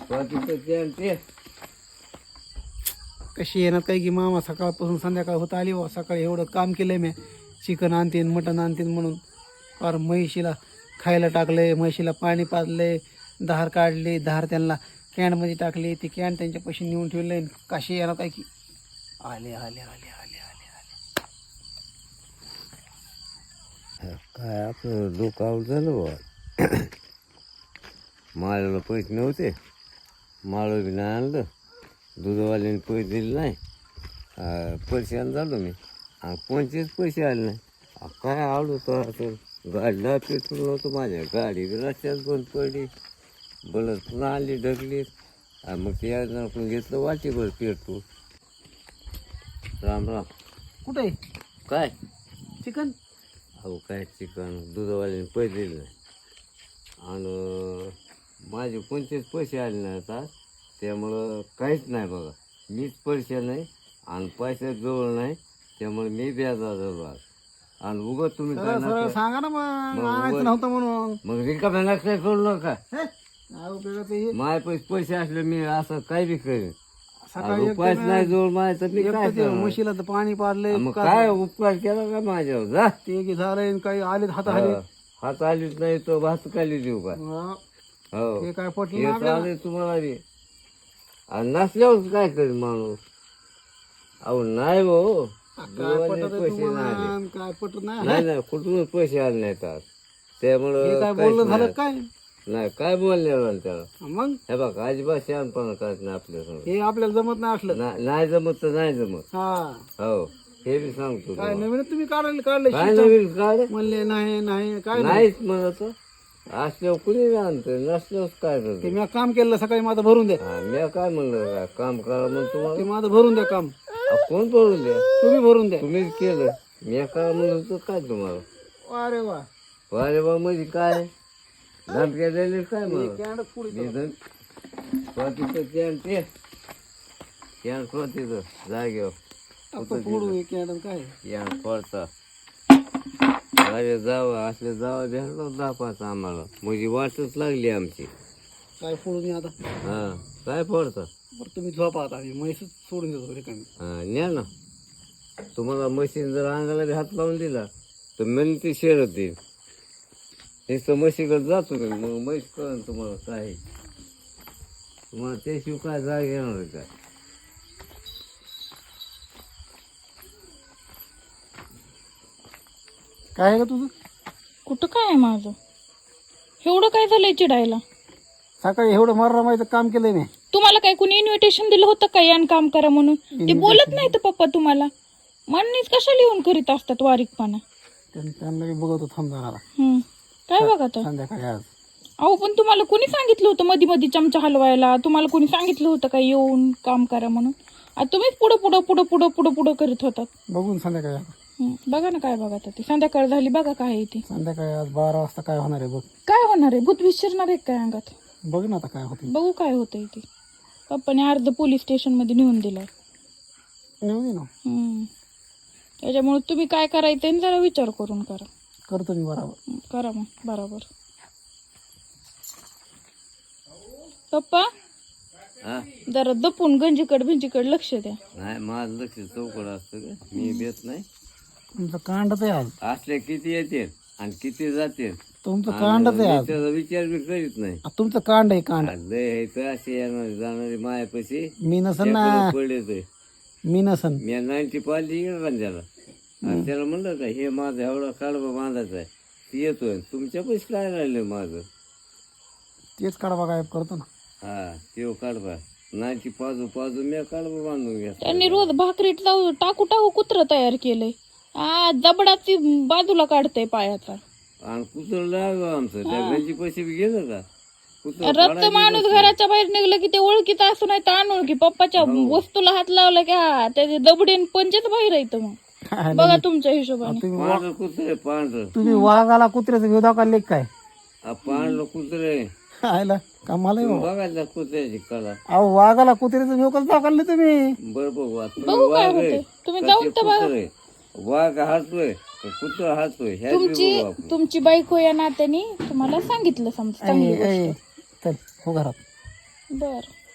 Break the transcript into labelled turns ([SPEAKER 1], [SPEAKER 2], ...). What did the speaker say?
[SPEAKER 1] कशी येणार काय की मामा सकाळपासून संध्याकाळ होत आली बा. सकाळी एवढं काम केलंय मी, चिकन आणतीन मटण आणतीन म्हणून. फार म्हैशीला खायला टाकलंय, म्हैशीला पाणी पाजलंय, धार काढली, धार त्यांना कॅनमध्ये टाकली, ती कॅन त्यांच्या पैसे नेऊन ठेवले. कशी येणार काय की आले आले आले आले आले आले.
[SPEAKER 2] काय आपलं डोकं आऊट झालं बा. माळाला पैसे नव्हते, माळं बी नाही आणलं, दूधवाल्याने पैसे दिले नाही, परेशान झालो मी. आणि कोणतेच पैसे आले नाही. काय आवडू तर गाडीला पेट्रोल नव्हतं माझ्या, गाडी रस्त्यात बंद पडली, बलत पुन्हा आली ढकली. मग ते आपण घेतलं वाटीभर पेट्रोल. राम राम.
[SPEAKER 1] कुठे
[SPEAKER 2] काय
[SPEAKER 1] चिकन?
[SPEAKER 2] अहो काय चिकन, दूधवाल्याने पैसे दिले नाही आणि माझे कोणतेच पैसे आले नाही आता, त्यामुळं काहीच नाही बघा. मीच पैसे नाही आणि पैसे जवळ नाही, त्यामुळे मी व्याजा झालो आज. आणि उगत तुम्ही काय
[SPEAKER 1] सरळ सांगा ना मग, आणायचं नव्हतं म्हणून.
[SPEAKER 2] मग रिकाम्या लक्षात करू नका.
[SPEAKER 1] काय उपयोगाचं हे?
[SPEAKER 2] माझे पैसे असले मी असं काही बी करेन.
[SPEAKER 1] सकाळी
[SPEAKER 2] उपास नाही जवळ माझ्या तर मी काय करणार?
[SPEAKER 1] म्हशीला तर पाणी पाडलंय,
[SPEAKER 2] मग काय उपकार केला का माझ्यावर? जा
[SPEAKER 1] ते की झालंय, काही आले हाताखाली.
[SPEAKER 2] हात आलीच नाही तो भात खाली देऊ का? हो
[SPEAKER 1] ते काय पटलं
[SPEAKER 2] हे
[SPEAKER 1] ना आपल्याला?
[SPEAKER 2] चालेल तुम्हाला बी. आणि नसल्यावर काय करेल माणूस? अहो नाही हो,
[SPEAKER 1] काय पटत आहे
[SPEAKER 2] पैसे
[SPEAKER 1] तुम्हाला?
[SPEAKER 2] नाही आले.
[SPEAKER 1] काय पटत नाही?
[SPEAKER 2] नाही नाही, कुठूनच पैसे आले नाहीत आज,
[SPEAKER 1] हे
[SPEAKER 2] त्यामुळं
[SPEAKER 1] काय
[SPEAKER 2] काहीच
[SPEAKER 1] बोलणं झालं
[SPEAKER 2] नाही.
[SPEAKER 1] काय
[SPEAKER 2] नाही काय बोलण्यावर त्याला.
[SPEAKER 1] मग?
[SPEAKER 2] हे बघा अजिबात शहाणपणा करत नाही आपल्या समोर.
[SPEAKER 1] हे आपल्याला जमत नाही असलं.
[SPEAKER 2] नाही जमत तर नाही जमत.
[SPEAKER 1] हा
[SPEAKER 2] हो हे बी सांगतो
[SPEAKER 1] काय
[SPEAKER 2] तुम्हाला.
[SPEAKER 1] नवीन तुम्ही काढले
[SPEAKER 2] काय नवीन काय
[SPEAKER 1] म्हणले नाही नाही काय नाही.
[SPEAKER 2] नाहीच म्हणत. असल्यावर कुणी बी आणतोय, नसल्यावर काय
[SPEAKER 1] ते
[SPEAKER 2] करतो?
[SPEAKER 1] मी काम केलं सकाळी, माझं भरून द्या.
[SPEAKER 2] मी काय म्हणलं काय काम करा म्हणून
[SPEAKER 1] ते
[SPEAKER 2] तुम्हाला?
[SPEAKER 1] माझं भरून द्या काम.
[SPEAKER 2] कोण बोलून द्या?
[SPEAKER 1] तुम्ही भरून द्या.
[SPEAKER 2] तुम्हीच केलं. मी काय म्हणलं तर काय तुम्हाला?
[SPEAKER 1] अरे वा,
[SPEAKER 2] अरे बा म्हणजे काय धमक्या दिले काय म्हणून?
[SPEAKER 1] कॅन्डच पुढे
[SPEAKER 2] कॅन तिथं जागेवर
[SPEAKER 1] फोडू हे कॅन्ड काय.
[SPEAKER 2] कॅन पडता. अरे जावं असले जावं भेटलो 10-5 आम्हाला, म्हणजे वाटच लागली आमची.
[SPEAKER 1] काय फोडून ये आता.
[SPEAKER 2] हा काय पडतं?
[SPEAKER 1] बरं तुम्ही झोपा आता, आम्ही म्हैस सोडून देतो रिकामी.
[SPEAKER 2] हा न्या ना. तुम्हाला मशीन जर अंगाला बी हात लावून दिला तर मी ती शेरत देईल. नुसतं म्हशीकडे जातो मी, मग म्हैस कळन तुम्हाला काय. तुम्हाला त्याशिवाय काय जाग येणार आहे काय?
[SPEAKER 1] काय आहे का तुझं?
[SPEAKER 3] कुठं काय आहे माझं? एवढं काय झालंय चिडायला?
[SPEAKER 1] सकाळी एवढं मारामारीचं काम केलंय मी.
[SPEAKER 3] तुम्हाला काय कुणी इन्व्हिटेशन दिलं होतं का यान काम करा म्हणून? ते बोलत नाही तर पप्पा तुम्हाला. म्हणणीच कशा लिहून करीत असतात वारीकपणा.
[SPEAKER 1] त्यांना मी बघतो थांब जाणारा
[SPEAKER 3] काय बघा तर.
[SPEAKER 1] संध्याकाळी आज.
[SPEAKER 3] अहो पण तुम्हाला कुणी सांगितलं होतं मध्ये मध्ये चमचा हलवायला? तुम्हाला कुणी सांगितलं होतं का येऊन काम करा म्हणून? तुम्हीच पुढं पुढं पुढं पुढं पुढं पुढं करीत होतात.
[SPEAKER 1] बघून संध्याकाळी आता.
[SPEAKER 3] बघा ना काय बघा ते. संध्याकाळ झाली बघा काय आहे ती.
[SPEAKER 1] संध्याकाळी आज 12 वाजता काय होणार आहे बघ.
[SPEAKER 3] काय होणार आहे? भूत विसरणार आहे काय अंगात?
[SPEAKER 1] बघ ना आता काय होते.
[SPEAKER 3] बघू काय होतंय ते. पप्पाने अर्ध पोलीस स्टेशन मध्ये नेऊन दिलाय.
[SPEAKER 1] नेऊ दे ना.
[SPEAKER 3] त्याच्यामुळे तुम्ही काय करायचं आणि जरा विचार करून करा.
[SPEAKER 1] करतो मी बरोबर.
[SPEAKER 3] करा मग बरोबर. पप्पा
[SPEAKER 2] हा
[SPEAKER 3] जरा दपून गंजीकड भिंजीकड लक्ष द्या.
[SPEAKER 2] नाही माझं लक्ष चौकड असतं का? मी देत नाही.
[SPEAKER 1] तुमचं कांडच आहे आज.
[SPEAKER 2] असले किती येते आणि किती जाते
[SPEAKER 1] तुमचं कांडच आहे आज.
[SPEAKER 2] त्याचा विचार बी करीत नाही.
[SPEAKER 1] तुमचं कांड आहे कांड.
[SPEAKER 2] लय असे येणार जाणारे मायापाशी
[SPEAKER 1] मी नसन ना.
[SPEAKER 2] पडले
[SPEAKER 1] मी नसन.
[SPEAKER 2] मी 90 पाहिली इकडं त्याला. आणि त्याला म्हणलं का हे माझं एवढा काढबा बांधायचा आहे, ती येतोय. तुमच्या पैसे काय राहिले माझं?
[SPEAKER 1] तेच काढवा गायब करतो ना.
[SPEAKER 2] हा ते काढबा 90 पाजू मी काढबा बांधून घ्या.
[SPEAKER 3] त्यांनी रोज भाकरीत टाकू टाकू कुत्र तयार केलंय. जबडाची बाजूला काढतय पायाचा.
[SPEAKER 2] आणि कुत्र लागलं आमचं. त्या घरची पैसे बी गेलं का?
[SPEAKER 3] रक्त माणूस घराच्या बाहेर निघलं की ते ओळखीचं असं नाही तर अनोळखी. पप्पाच्या वस्तूला हात लावला की हा त्याचे दबडीन पंचच बाहेर येतं. मग बघा तुमच्या हिशोबाने.
[SPEAKER 2] पांढरं कुत्रे पांढरं.
[SPEAKER 1] तुम्ही वाघाला कुत्र्याचं घेऊ दाखवा लेख काय?
[SPEAKER 2] पांढरं कुत्रे
[SPEAKER 1] आयला कामाला
[SPEAKER 2] बघायला कुत्र्याची कला.
[SPEAKER 1] अहो वाघाला कुत्र्याचं घेऊ कसं दाखवलं तुम्ही?
[SPEAKER 2] बरं बघू
[SPEAKER 3] बघू काय होतंय. तुम्ही जाऊन तर बघा.
[SPEAKER 2] वाघ हातोय कुत्र हातोय
[SPEAKER 3] तुमची बायको या नात्याने तुम्हाला सांगितलं समजा चांगली गोष्ट.
[SPEAKER 1] चल हो घरात.
[SPEAKER 3] बर